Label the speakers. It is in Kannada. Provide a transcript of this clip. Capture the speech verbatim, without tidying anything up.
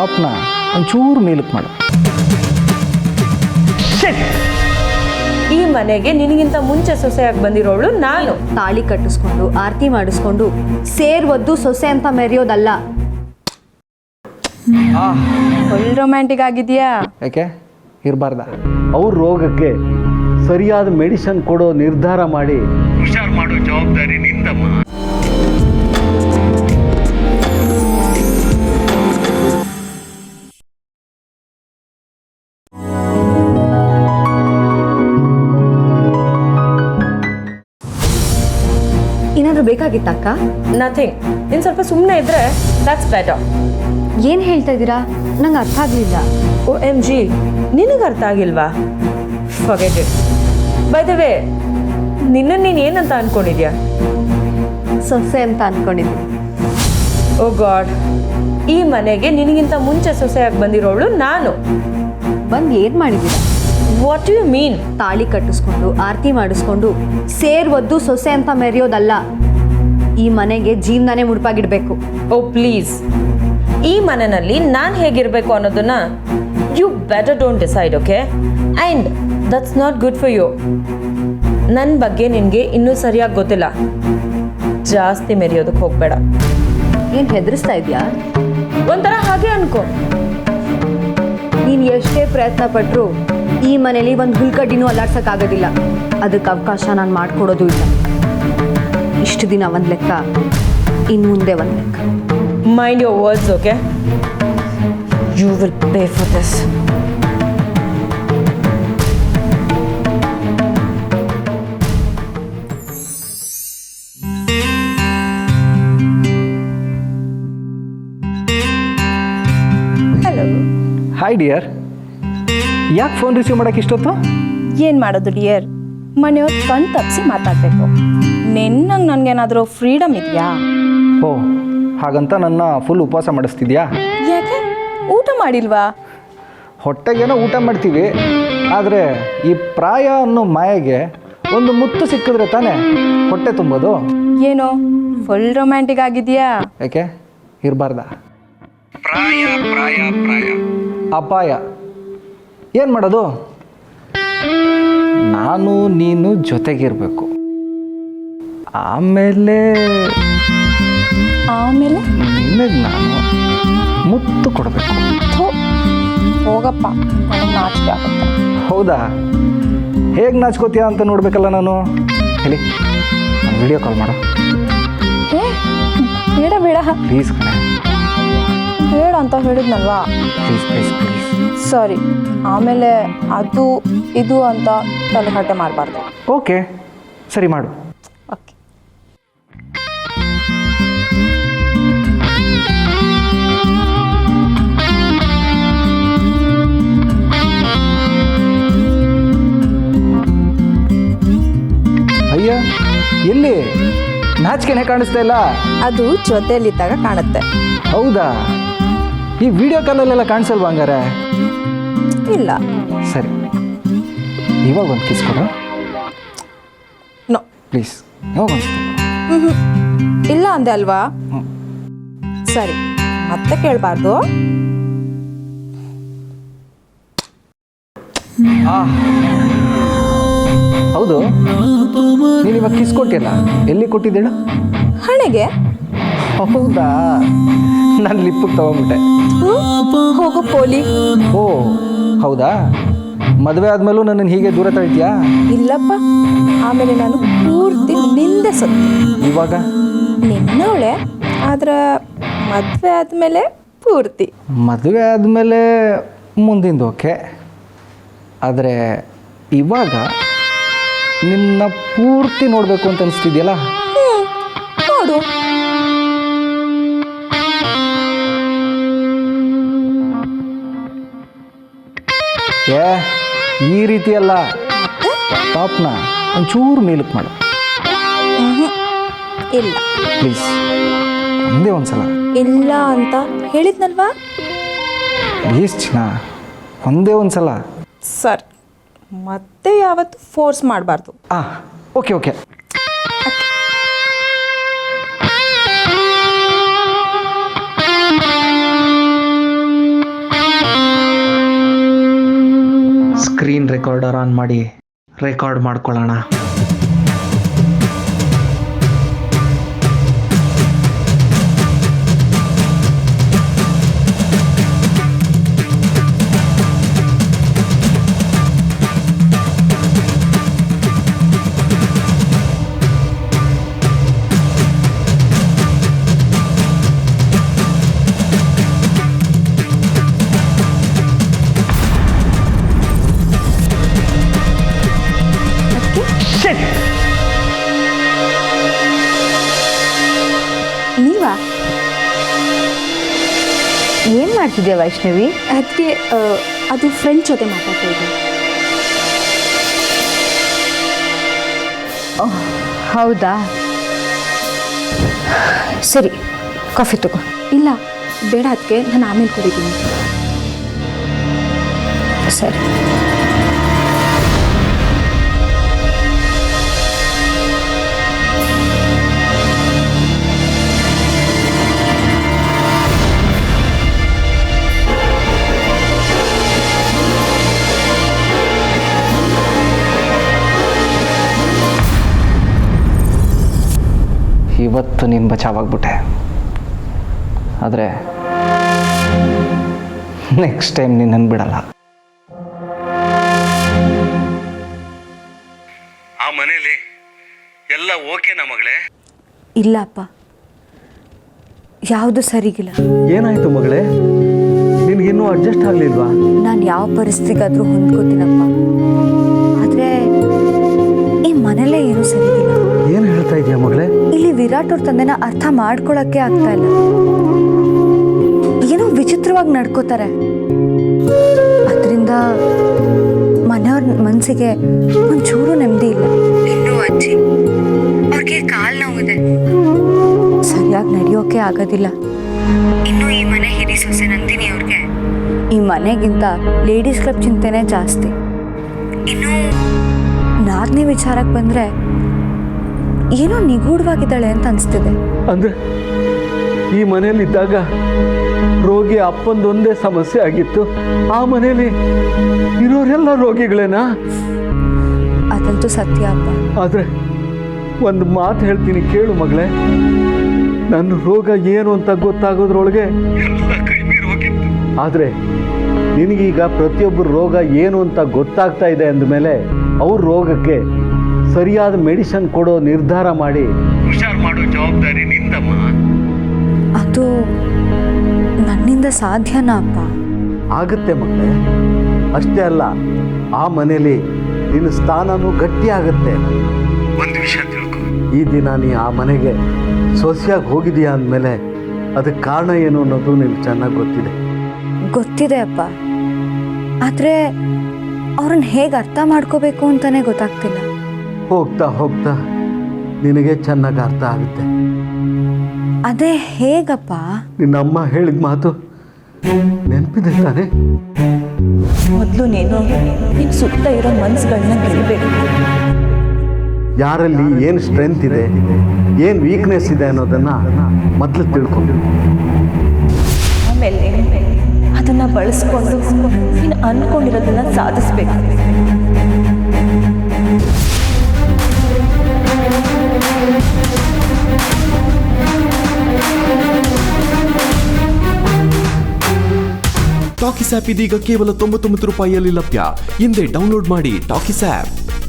Speaker 1: ಟಾಪ್ನ ಒಂಚೂರು ಮೇಲಕ್ಕೆ ಮಾಡು.
Speaker 2: ಈ ಮನೆಗೆ ನಿನಗಿಂತ ಮುಂಚೆ ಸೊಸೆಯಾಗಿ ಬಂದಿರೋಳು ನಾನು.
Speaker 3: ತಾಳಿ ಕಟ್ಟಿಸ್ಕೊಂಡು ಆರತಿ ಮಾಡಿಸ್ಕೊಂಡು ಸೇರ್ ಒದ್ದು ಸೊಸೆ ಅಂತ ಮೆರೆಯೋದಲ್ಲ.
Speaker 2: ಫುಲ್ ರೊಮ್ಯಾಂಟಿಕ್ ಆಗಿದೆಯಾ?
Speaker 1: ಯಾಕೆ ಇರಬಾರ್ದ?
Speaker 4: ಅವ್ರ ರೋಗಕ್ಕೆ ಸರಿಯಾದ ಮೆಡಿಸಿನ್ ಕೊಡೋ ನಿರ್ಧಾರ ಮಾಡಿ ಹುಷಾರು ಮಾಡೋ ಜವಾಬ್ದಾರಿ ನಿಂದಮ್ಮ.
Speaker 3: ಏನಾದರೂ ಬೇಕಾಗಿತ್ತಕ್ಕ?
Speaker 2: ನಥಿಂಗ್. ನೀನು ಸ್ವಲ್ಪ ಸುಮ್ಮನೆ ಇದ್ರೆ ದಟ್ಸ್ ಬೆಟರ್.
Speaker 3: ಏನು ಹೇಳ್ತಾ ಇದ್ದೀರಾ? ನಂಗೆ ಅರ್ಥ ಆಗಲಿಲ್ಲ.
Speaker 2: ಓ ಎಮ್ ಜಿ, ನಿನಗೆ ಅರ್ಥ ಆಗಿಲ್ವಾ? Forget it. By the way, ನಿನ್ನನ್ನು ನೀನು ಏನಂತ ಅಂದ್ಕೊಂಡಿದ್ಯಾ?
Speaker 3: ಸೊಸೆ ಅಂತ ಅಂದ್ಕೊಂಡಿದ್ದೀನಿ.
Speaker 2: ಓ ಗಾಡ್, ಈ ಮನೆಗೆ ನಿನಗಿಂತ ಮುಂಚೆ ಸೊಸೆಯಾಗಿ ಬಂದಿರೋಳು ನಾನು.
Speaker 3: ಬಂದು ಏನು ಮಾಡಿದ್ದೀರಾ?
Speaker 2: What you mean?
Speaker 3: ತಾಳಿ ಕಟ್ಟಿಸ್ಕೊಂಡು ಆರತಿ ಮಾಡಿಸ್ಕೊಂಡು ಸೇರ್ ಒದ್ದು ಸೊಸೆ ಅಂತ ಮೆರೆಯೋದಲ್ಲ. ಈ ಮನೆಗೆ ಜೀವನನೇ ಮುಡುಪಾಗಿಡ್ಬೇಕು.
Speaker 2: ಓ ಪ್ಲೀಸ್, ಈ ಮನೆಯಲ್ಲಿ ನಾನು ಹೇಗಿರಬೇಕು ಅನ್ನೋದನ್ನ you better don't decide, okay? And that's not good for you. ನನ್ನ ಬಗ್ಗೆ ನಿನಗೆ ಇನ್ನೂ ಸರಿಯಾಗಿ ಗೊತ್ತಿಲ್ಲ. ಜಾಸ್ತಿ ಮೆರೆಯೋದಕ್ಕೆ ಹೋಗಬೇಡ.
Speaker 3: ಏನು ಹೆದರಿಸ್ತಾ ಇದೆಯಾ?
Speaker 2: ಒಂಥರ ಹಾಗೆ ಅನ್ಕೋ.
Speaker 3: ನೀನು ಎಷ್ಟೇ ಪ್ರಯತ್ನ ಪಟ್ಟರು ಈ ಮನೇಲಿ ಒಂದು ಹುಲ್ಕಡ್ಡಿನೂ ಅಲ್ಲಾಡ್ಸೋಕ್ಕಾಗೋದಿಲ್ಲ. ಅದಕ್ಕೆ ಅವಕಾಶ ನಾನು ಮಾಡಿಕೊಡೋದು ಇಲ್ಲ. ಇಷ್ಟು ದಿನ ಒಂದು ಲೆಕ್ಕ, ಇನ್ನು ಮುಂದೆ ಒಂದು ಲೆಕ್ಕ.
Speaker 2: Mind your words, okay? You will pay for this.
Speaker 5: Hello.
Speaker 1: Hi dear. ಯಾಕೆ ಫೋನ್ ರಿಸೀವ್ ಮಾಡೋಕ್ಕೆ ಇಷ್ಟೊತ್ತು?
Speaker 5: ಏನು ಮಾಡೋದು ಡಿಯರ್, ಮನೆಯವ್ರು ಕಣ್ ತಪ್ಪಿಸಿ ಮಾತಾಡಬೇಕು. ನಿನ್ನಂಗೆ ನನಗೇನಾದರೂ ಫ್ರೀಡಮ್ ಇದೆಯಾ?
Speaker 1: ಓ, ಹಾಗಂತ ನನ್ನ ಫುಲ್ ಉಪವಾಸ ಮಾಡಿಸ್ತಿದ್ಯಾ?
Speaker 5: ಯಾಕೆ ಊಟ ಮಾಡಿಲ್ವಾ?
Speaker 1: ಹೊಟ್ಟೆಗೇನೋ ಊಟ ಮಾಡ್ತೀವಿ, ಆದರೆ ಈ ಪ್ರಾಯ ಅನ್ನೋ ಮಾಯೆಗೆ ಒಂದು ಮುತ್ತು ಸಿಕ್ಕಿದ್ರೆ ತಾನೇ ಹೊಟ್ಟೆ ತುಂಬೋದು.
Speaker 5: ಏನೋ ಫುಲ್ ರೊಮ್ಯಾಂಟಿಕ್ ಆಗಿದೆಯಾ?
Speaker 1: ಯಾಕೆ ಇರಬಾರ್ದ?
Speaker 4: ಪ್ರಾಯ ಪ್ರಾಯ ಪ್ರಾಯ
Speaker 1: ಅಪಾಯ. ಏನು ಮಾಡೋದು? ನಾನು ನೀನು ಜೊತೆಗಿರಬೇಕು. ಆಮೇಲೆ
Speaker 5: ಆಮೇಲೆ
Speaker 1: ನಿನಗೆ ನಾನು ಮುತ್ತು ಕೊಡಬೇಕು.
Speaker 5: ಥು, ಹೋಗಪ್ಪ, ನನಗೆ ನಾಚಿಕೆ ಆಗುತ್ತೆ.
Speaker 1: ಹೌದಾ? ಹೇಗೆ ನಾಚ್ಕೋತೀಯ ಅಂತ ನೋಡ್ಬೇಕಲ್ಲ ನಾನು. ಹೇಳಿ, ನಾನು ವಿಡಿಯೋ ಕಾಲ್ ಮಾಡು.
Speaker 5: ಏ ಬೇಡ ಬೇಡ
Speaker 1: ಪ್ಲೀಸ್ ಕಣೆ,
Speaker 5: ಬೇಡ ಅಂತ ಹೇಳಿದ್ನಲ್ವಾ?
Speaker 1: Please please please.
Speaker 5: ಸರಿ, ಆಮೇಲೆ ಅದು ಇದು ಅಂತ ತಲೆಹರಟೆ ಮಾಡಬಾರ್ದು.
Speaker 1: ಓಕೆ, ಸರಿ ಮಾಡು.
Speaker 5: ಓಕೆ.
Speaker 1: ಅಯ್ಯ, ಎಲ್ಲಿ? ನಾಚಿಕೆನೆ ಕಾಣಿಸ್ತಾ ಇಲ್ಲ.
Speaker 5: ಅದು ಜೊತೆಯಲ್ಲಿದ್ದಾಗ ಕಾಣುತ್ತೆ.
Speaker 1: ಹೌದಾ? ಈ ವಿಡಿಯೋ ಕಾಲಲ್ಲೆಲ್ಲ ಕಾಣಿಸಲ್ವಾ ಹಂಗಾರೆ?
Speaker 5: ಇಲ್ಲ.
Speaker 1: ಸರಿ, ಇವಾಗ ಒಂದು ಕಿಸ್ ಕೊಡು
Speaker 5: ನೋ
Speaker 1: ಪ್ಲೀಸ್. ಇವಾಗ ಒಂದು
Speaker 5: ಹ್ಞೂ ಇಲ್ಲ ಅಂದೆ ಅಲ್ವಾ? ಸರಿ, ಮತ್ತೆ ಕೇಳಬಾರ್ದು.
Speaker 1: ಹೌದು, ನೀನು ಇವಾಗ ಕಿಸ್ ಕೊಟ್ಟಿಲ್ಲ, ಎಲ್ಲಿ ಕೊಟ್ಟಿದ್ದೇಳು?
Speaker 5: ಹಣೆಗೆ.
Speaker 1: ಹೌದಾ? ನಾನು ಲಿಪ್ಪಿಗೆ ತಗೊಂಡ್ಬಿಟ್ಟೆ.
Speaker 5: ಹೋಗು ಪೋಲಿ.
Speaker 1: ಓ ಹೌದಾ? ಮದುವೆ ಆದಮೇಲೂ ನನ್ನನ್ನು ಹೀಗೆ ದೂರ ತಳ್ತೀಯಾ?
Speaker 5: ಇಲ್ಲಪ್ಪ, ಆಮೇಲೆ ನಾನು ಪೂರ್ತಿ ನಿಂದೆ ಸತ್ತು.
Speaker 1: ಇವಾಗ
Speaker 5: ನಿನ್ನವಳೆ, ಆದ್ರೆ ಮದುವೆ ಆದಮೇಲೆ ಪೂರ್ತಿ.
Speaker 1: ಮದುವೆ ಆದಮೇಲೆ ಮುಂದಿಂದು ಓಕೆ, ಆದರೆ ಇವಾಗ ನಿನ್ನ ಪೂರ್ತಿ ನೋಡಬೇಕು ಅಂತ ಅನಿಸ್ತಿದೆಯಲ್ಲ?
Speaker 5: ನೋಡು.
Speaker 1: ಏ ಈ ರೀತಿ ಅಲ್ಲ, ಟಾಪ್ನ ಒಂಚೂರು ಮೇಲಕ್ಕೆ ಮಾಡು.
Speaker 5: ಇಲ್ಲ
Speaker 1: ಪ್ಲೀಸ್, ಒಂದೇ ಒಂದು ಸಲ.
Speaker 5: ಇಲ್ಲ ಅಂತ ಹೇಳಿದ್ನಲ್ವಾ?
Speaker 1: ಪ್ಲೀಸ್ ಚಿನ್ನ, ಒಂದೇ ಒಂದು ಸಲ.
Speaker 5: ಸರ್, ಮತ್ತೆ ಯಾವತ್ತು ಫೋರ್ಸ್ ಮಾಡಬಾರ್ದು.
Speaker 1: ಹಾಂ okay okay. Screen recorder on ಮಾಡಿ ರೆಕಾರ್ಡ್ ಮಾಡ್ಕೊಳ್ಳೋಣ.
Speaker 3: ನೀವಾ ಏನು ಮಾಡ್ತಿದ್ಯಾ ವೈಷ್ಣವಿ?
Speaker 5: ಅದಕ್ಕೆ ಅದು ಫ್ರೆಂಡ್ ಜೊತೆ ಮಾತಾಡ್ತಾ ಇದ್ದೆ.
Speaker 3: ಓಹ್, ಹೌದಾ? ಸರಿ, ಕಾಫಿ ತಗೋ.
Speaker 5: ಇಲ್ಲ ಬೇಡ, ಅದಕ್ಕೆ ನಾನು ಆಮೇಲೆ ಕುಡಿತೀನಿ.
Speaker 3: ಸರಿ.
Speaker 1: ಇವತ್ತು ನೀನು ಬಚಾವಾಗ್ಬಿಟ್ಟೆ, ಆದರೆ ನೆಕ್ಸ್ಟ್ ಟೈಮ್ ನಿನ್ನನ್ನು ಬಿಡಲ್ಲ.
Speaker 4: ಆ ಮನೇಲಿ ಎಲ್ಲ ಓಕೆನಾ ಮಗಳೇ?
Speaker 3: ಇಲ್ಲ ಅಪ್ಪ, ಯಾವುದು ಸರಿಗಿಲ್ಲ.
Speaker 4: ಏನಾಯ್ತು ಮಗಳೇ? ನಿನಗಿನ್ನೂ ಅಡ್ಜಸ್ಟ್ ಆಗಲಿಲ್ವಾ?
Speaker 3: ನಾನು ಯಾವ ಪರಿಸ್ಥಿತಿಗಾದರೂ ಹೊಂದ್ಕೋತೀನಪ್ಪ, ಆದರೆ ಈ ಮನೇಲೇ ಏನೂ ಸರಿಗಿಲ್ಲ.
Speaker 4: ಏನು ಹೇಳ್ತಾ ಇದೆಯಾ ಮಗಳೇ?
Speaker 3: ಇಲ್ಲಿ ವಿರಾಟ್ ಅವ್ರ ತಂದೆನ ಅರ್ಥ ಮಾಡ್ಕೊಳಕ್ಕೆ ಆಗ್ತಾ ಇಲ್ಲ. ಏನೋ ವಿಚಿತ್ರವಾಗಿ ನಡ್ಕೋತಾರೆ. ಅದರಿಂದ ಮನೆಯವ್ರ ಮನಸ್ಸಿಗೆ ಒಂಚೂರು ನೆಮ್ಮದಿ ಇಲ್ಲ. ಇನ್ನು ಅಜ್ಜಿ ಅವ್ರಿಗೆ ಕಾಲು ನೋವಿದೆ, ಸರಿಯಾಗಿ ನಡೆಯೋಕೆ ಆಗೋದಿಲ್ಲ. ಇನ್ನು ಈ ಮನೆ ಹಿರಿ ಸೊಸೆ ನಂದಿನಿ ಅವ್ರಿಗೆ ಈ ಮನೆಗಿಂತ ಲೇಡೀಸ್ ಕ್ಲಬ್ ಚಿಂತೆನೇ ಜಾಸ್ತಿ. ಇನ್ನು ನಾಲ್ಕನೇ ವಿಚಾರಕ್ಕೆ ಬಂದರೆ ಏನೋ ನಿಗೂಢವಾಗಿದ್ದಾಳೆ ಅಂತ ಅನಿಸ್ತಿದೆ.
Speaker 4: ಅಂದ್ರೆ ಈ ಮನೇಲಿದ್ದಾಗ ರೋಗಿ ಅಪ್ಪಂದೊಂದೇ ಸಮಸ್ಯೆ ಆಗಿತ್ತು, ಆ ಮನೇಲಿ ಇರೋರೆಲ್ಲ ರೋಗಿಗಳೇನಾ?
Speaker 3: ಅದಂತೂ ಸತ್ಯ ಅಪ್ಪ.
Speaker 4: ಆದ್ರೆ ಒಂದು ಮಾತು ಹೇಳ್ತೀನಿ ಕೇಳು ಮಗಳೇ, ನನ್ನ ರೋಗ ಏನು ಅಂತ ಗೊತ್ತಾಗೋದ್ರೊಳಗೆ ಎಲ್ಲ ಕೈ ಮೀರಿ ಹೋಗಿತ್ತು. ಆದ್ರೆ ನಿನಗೀಗ ಪ್ರತಿಯೊಬ್ಬರ ರೋಗ ಏನು ಅಂತ ಗೊತ್ತಾಗ್ತಾ ಇದೆ ಅಂದಮೇಲೆ ಅವ್ರ ರೋಗಕ್ಕೆ ಸರಿಯಾದ ಮೆಡಿಸಿನ್ ಕೊಡೋ ನಿರ್ಧಾರ ಮಾಡಿ ಹುಷಾರು ಮಾಡೋ ಜವಾಬ್ದಾರಿ ನಿಂದಮ್ಮ.
Speaker 3: ಅದು ನನ್ನಿಂದ ಸಾಧ್ಯನಾ ಅಪ್ಪ?
Speaker 4: ಆಗುತ್ತೆ ಮಗಳೇ, ಅಷ್ಟೇ ಅಲ್ಲ ಆ ಮನೇಲಿ ನಿನ್ನ ಸ್ಥಾನನೂ ಗಟ್ಟಿ ಆಗುತ್ತೆ. ಒಂದು ವಿಷಯ ತಿಳ್ಕೊ, ಈ ದಿನ ನೀ ಆ ಮನೆಗೆ ಸೊಸೆಯಾಗಿ ಹೋಗಿದೀಯಾ ಅಂದಮೇಲೆ ಅದಕ್ಕೆ ಕಾರಣ ಏನು ಅನ್ನೋದು ನಿನಗೆ ಚೆನ್ನಾಗಿ ಗೊತ್ತಿದೆ.
Speaker 3: ಗೊತ್ತಿದೆ ಅಪ್ಪ, ಆದರೆ ಅವ್ರನ್ನ ಹೇಗೆ ಅರ್ಥ ಮಾಡ್ಕೋಬೇಕು ಅಂತಲೇ ಗೊತ್ತಾಗ್ತಿಲ್ಲ.
Speaker 4: ಹೋಗ್ತಾ ಹೋಗ್ತಾ ನಿನಗೆ ಚೆನ್ನಾಗಿ ಅರ್ಥ ಆಗುತ್ತೆ.
Speaker 3: ಅದೇ ಹೇಗಪ್ಪ?
Speaker 4: ನಿನ್ನಮ್ಮ ಹೇಳಿದ ಮಾತು ನೆನಪಿದೆ ತಾನೆ?
Speaker 2: ಮೊದಲು ನೀನು ನಿನ್ನ ಸುತ್ತ ಇರೋ ಮನ್ಸುಗಳನ್ನ ಗೆಲ್ಲಬೇಕು.
Speaker 4: ಯಾರಲ್ಲಿ ಏನು ಸ್ಟ್ರೆಂತ್ ಇದೆ, ಏನು ವೀಕ್ನೆಸ್ ಇದೆ ಅನ್ನೋದನ್ನ ಮೊದಲು ತಿಳ್ಕೊಂಡು
Speaker 2: ಆಮೇಲೆ ಅದನ್ನು ಬಳಸ್ಕೊಂಡು ನೀನು ಅಂದ್ಕೊಂಡಿರೋದನ್ನ ಸಾಧಿಸ್ಬೇಕು.
Speaker 6: ಟಾಕಿಸ್ ಆ್ಯಪ್ ಇದೀಗ ಕೇವಲ ತೊಂಬತ್ತೊಂಬತ್ತು ರೂಪಾಯಿಯಲ್ಲಿ ಲಭ್ಯ. ಹಿಂದೆ ಡೌನ್ಲೋಡ್ ಮಾಡಿ ಟಾಕಿಸ್ ಆ್ಯಪ್.